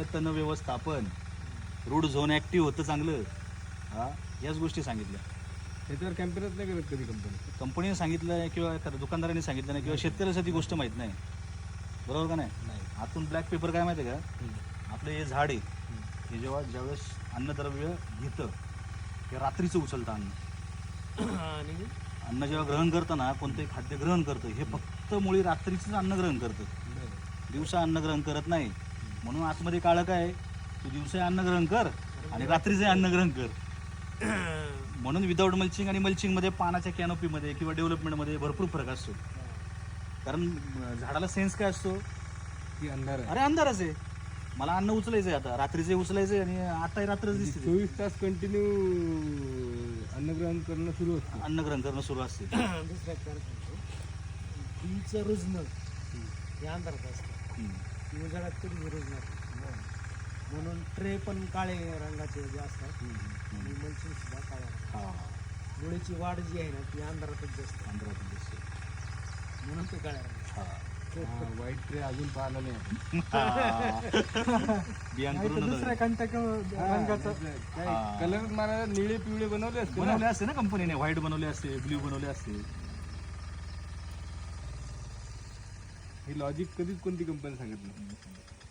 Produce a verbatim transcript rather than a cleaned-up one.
तण व्यवस्थापन, route zone active होतं चांगलं, हा याच गोष्टी सांगितल्या. त्याच्यावर कॅम्पेनच नाही करत कधी कंपनी. कंपनीने सांगितलं आहे किंवा एखाद्या दुकानदाराने सांगितलं नाही किंवा शेतकऱ्याला ती गोष्ट माहीत नाही, बरोबर का नाही. नाही. आतून ब्लॅक पेपर काय माहिती आहे का, आपलं हे झाड आहे हे जेव्हा ज्यावेळेस अन्नद्रव्य घेतं ते रात्रीचं उचलतं अन्न, आणि अन्न जेव्हा ग्रहण करतं ना, कोणतंही खाद्य ग्रहण करतं हे फक्त मुळी रात्रीचंच अन्न ग्रहण करतं, दिवसा अन्न ग्रहण करत नाही. म्हणून आतमध्ये काळं काय, तू दिवसा अन्न ग्रहण कर आणि रात्रीचं अन्न ग्रहण कर. म्हणून विदाऊट मल्चिंग आणि मल्चिंगमध्ये पानाच्या कॅनोपीमध्ये किंवा डेव्हलपमेंटमध्ये भरपूर फरक असतो. कारण झाडाला सेन्स काय असतो की अंधार आहे. अरे अंधारच आहे, मला अन्न उचलायचं आहे, आता रात्रीचे उचलायचं आहे आणि आताही रात्रच दिसते, चोवीस तास कंटिन्यू अन्नग्रहण करणं सुरू असतं. अन्न ग्रहण करणं सुरू असते. दुसऱ्या काय सांगतो, बीचं रुजणं हे अंधारात असतं, हम्म. उजाडात कधी रुजणार. म्हणून ट्रे पण काळे रंगाचे जे असतात आणि मल्चिंग सुद्धा काळ्या रंगाचे. हा मुळीची वाढ जी आहे ना ती अंधारातच जास्त, अंधारात दिसते. म्हणून ते काळ्या रंगाचे. हा. वाईट ट्रे अजून पाहिला नाही आपण. बियांकडून दुसऱ्या कोणत्या रंगाचं हा. कलर मारा निळे पिवळे बनवले असते ना. बनवले असते ना कंपनीने, व्हाईट बनवले असते, ब्ल्यू बनवले असते. हे लॉजिक कधीच कोणती कंपनी सांगत नाही.